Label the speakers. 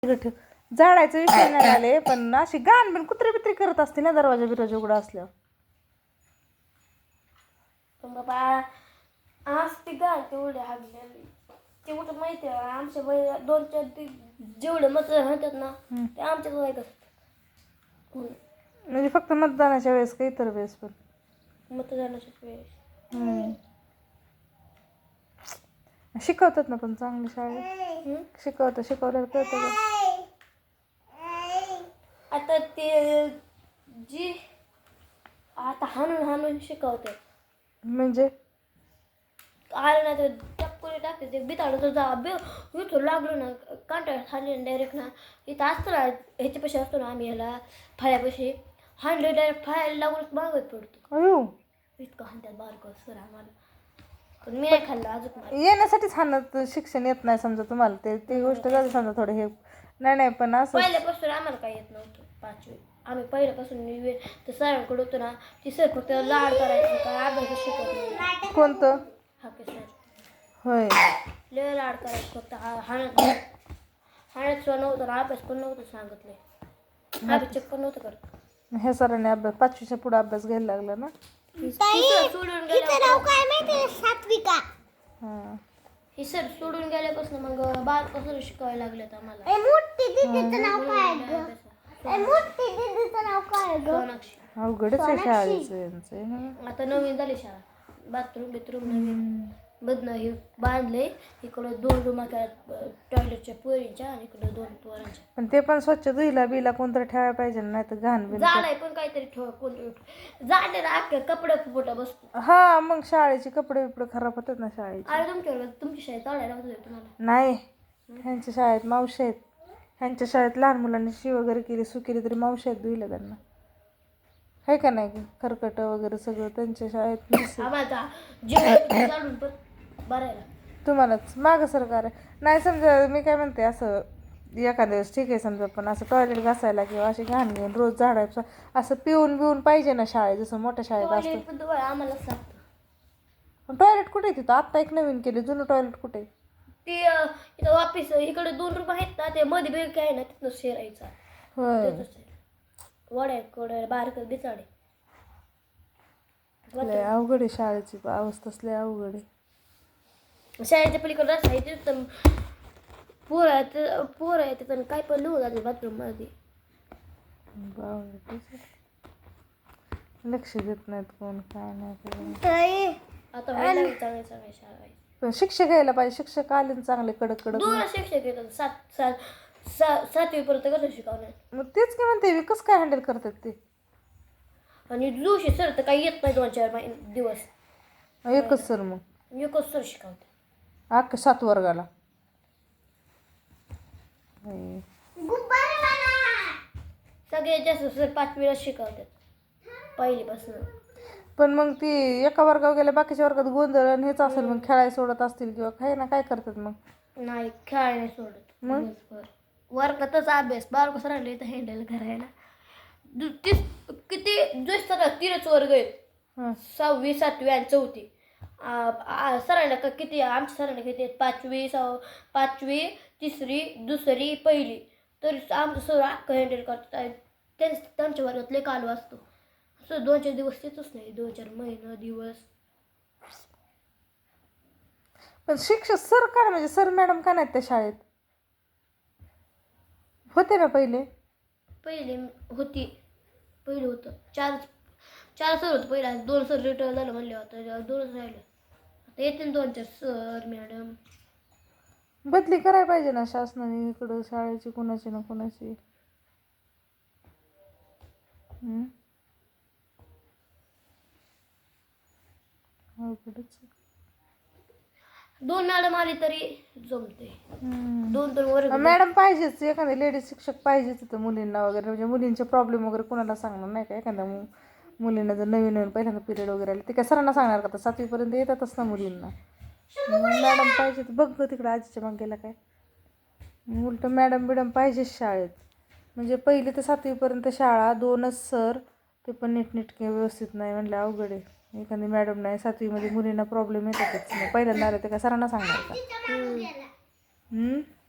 Speaker 1: ठेव. झाडायचं विषय नाही आले, पण अशी गाण बिन कुत्री बित्री करत असते ना दरवाजा बिरवाजा उघडा असल्यावर.
Speaker 2: पण बाबा आज ती गाण तेवढे हागलेली ते कुठं माहिती आहे आमच्या वय 2-4 जेवढे मत म्हणतात ना ते आमच्याच वयात असतात.
Speaker 1: म्हणजे फक्त मतदानाच्या वेळेस का इतर वेळेस पण?
Speaker 2: मतदानाच्या वेळेस.
Speaker 1: शिकवतात ना पण चांगली शाळेत. शिकवल्यावर कळतं का?
Speaker 2: आता ते जी आता हाणून शिकवतात.
Speaker 1: म्हणजे
Speaker 2: आलं ना तर टपकोरी टाकते ते बिताडं तर जा इथं लागलो ना कांटाळ्यात हाणले डायरेक्ट ना इथं असतं ना ह्याच्यापाशी असतो ना आम्ही ह्याला फाळ्यापाशी हाणले डायरेक्ट फाळ्याला लागूनच मागत पडतो.
Speaker 1: अयो
Speaker 2: इतकं हाणत्यात बारकं सर आम्हाला. पण मी नाही खाल्लं अजून.
Speaker 1: येण्यासाठीच हाणत शिक्षण येत नाही समजा तुम्हाला ते गोष्ट झाली समजा थोडं हे नाही पण असं
Speaker 2: पहिल्यापासून आम्हाला काही येत नव्हतं 5वी. आम्ही पहिल्यापासून तर सरांकडे होतो ना ती सर फक्त लाड करायची का अभ्यास शिकवत नाही.
Speaker 1: कोणतं?
Speaker 2: हाके सर.
Speaker 1: होय
Speaker 2: लय लाड करायचं फक्त हाणत नव्हतं ना अभ्यास पण नव्हतं सांगितले. अभ्यास चेक पण नव्हतं करत.
Speaker 1: ह्या सरांनी अभ्यास 5वीच्या पुढे अभ्यास घ्यायला लागला ना.
Speaker 2: सोडून
Speaker 1: हां
Speaker 2: ही सर सोडून गेल्यापासून मग बालपासून शिकवायला लागलेत आम्हाला. सोनाक्षी.
Speaker 1: अवघडच आहे शाळेचं यांचं.
Speaker 2: आता नवीन झाली शाळा. बाथरूम नवीन बदनं हे बांधले. इकडं 2 रूम टॉयलेटच्या पोरींच्या आणि इकडं 2 पोरांच्या.
Speaker 1: पण ते पण स्वच्छ धुईला बिला कोणतरी ठेवायला पाहिजे नाही तर घाण बिन
Speaker 2: झाड आहे पण काहीतरी ठेवा कोणतरी झाडे ना अख्खे कपडे फुटा बसतो.
Speaker 1: हा मग शाळेचे कपडे बिपडे खराब होतात ना शाळेचे.
Speaker 2: अरे तुमच्या शाळेत चालायला होतं तुम्हाला?
Speaker 1: नाही ह्यांच्या शाळेत मावशी आहेत. ह्यांच्या शाळेत लहान मुलांनी शी वगैरे केली केली तरी मावशी आहेत धुईला त्यांना. आहे का नाही खरकट वगैरे सगळं त्यांच्या शाळेत.
Speaker 2: आम्हाला जेवण काढून पण भरायला
Speaker 1: तुम्हालाच मागं सरकार आहे नाही समजा. मी काय म्हणते असं एखाद्या दिवस ठीक आहे समजा पण असं टॉयलेट घासायला किंवा अशी घाण घेऊन रोज झाडायचं असं पिऊन पाहिजे ना शाळेत जसं मोठ्या शाळेत असतं.
Speaker 2: आम्हाला सांगतं
Speaker 1: टॉयलेट कुठे आहे तिथं? आत्ता एक नवीन केले, जुनं टॉयलेट कुठे आहे?
Speaker 2: ते इथं ऑफिस इकडे 2 रूम आहेत ना ते मध्ये बेग आहे ना तिथनं शेरायचा.
Speaker 1: होय
Speaker 2: वड्या बारक बिचाडे.
Speaker 1: लय अवघड आहे शाळेची अवस्थाच लय अवघड आहे.
Speaker 2: शाळेच्या पलीकडे रस्ता आहे तिथं पोर आहे तिथं काय पण लिहून जाते बाथरूम मध्ये.
Speaker 1: लक्ष देत नाहीत कोण काय नाही.
Speaker 2: आता व्हायला चांगल्या शाळा आहे.
Speaker 1: पण शिक्षक घ्यायला पाहिजे. शिक्षक आले ना चांगले कडक
Speaker 2: 2 शिक्षक येतात 7वी पर्यंत कसं शिकवणार.
Speaker 1: मग तेच की म्हणते मी कसं काय हँडल करतात ते.
Speaker 2: आणि जोशी सर तर काही येत नाही 2-4 दिवस.
Speaker 1: एकच सर मग
Speaker 2: एकच सर शिकवते
Speaker 1: अख्खा 7 वर्गाला.
Speaker 2: सगळ्यात जास्त सर 5वीला शिकवतात पहिलीपासून.
Speaker 1: पण मग ती एका वर्गावर गेल्या बाकीच्या वर्गात गोंधळ आणि हेच असेल मग खेळायला सोडत असतील किंवा काही ना काय करतात मग.
Speaker 2: नाही खेळायला सोडत मग वर्गातच अभ्यास बारको सरांना इथं हँडल करायला. किती जोश 3च वर्ग आहेत 6वी 7वी आणि 4थी. सरांना का किती आमच्या सरांना किती आहेत 5वी 3री 2री 1ली तर आमचं सर अख्खं हँडल करतात. त्यांच्या वर्गात लय कालू असतो. असं 2-4 दिवस येतच नाही 2-4 महिना दिवस.
Speaker 1: पण शिक्षक सर का म्हणजे सर मॅडम का नाहीत त्या शाळेत? होते ना पहिले
Speaker 2: होती. पहिलं होतं 4 सर होतं पहिला. 2 सर रिटायर झालं म्हणले होतं 2च राहिले. आता येतील 2-4 सर मॅडम.
Speaker 1: बदली करायला पाहिजे ना शासनाने इकडं शाळेची कोणाची ना कोणाची. अवघडच.
Speaker 2: 2 मॅडम आली तरी जमते. 2 वर्ग
Speaker 1: मॅडम पाहिजेच. एखाद्या लेडीज शिक्षक पाहिजेच तिथं मुलींना वगैरे म्हणजे मुलींचे प्रॉब्लेम वगैरे कोणाला सांगणार नाही का. एखाद्या मुलींना जर नवीन पहिल्यांदा पिरियड वगैरे आले ते काय सरांना सांगणार का? 7वीपर्यंत येतातच ना मुलींना. मॅडम पाहिजे. बघ तिकडं आजीच्या मागेला काय उलट मॅडम पाहिजेच शाळेत. म्हणजे 1ली ते 7वीपर्यंत शाळा 2च सर ते पण नीटनेटके व्यवस्थित नाही म्हणलं अवघड आहे. एखादी मॅडम नाही 7वीमध्ये मुलींना प्रॉब्लेम येतातच. पहिल्यांदा आलं ते काय सरांना सांगणार का?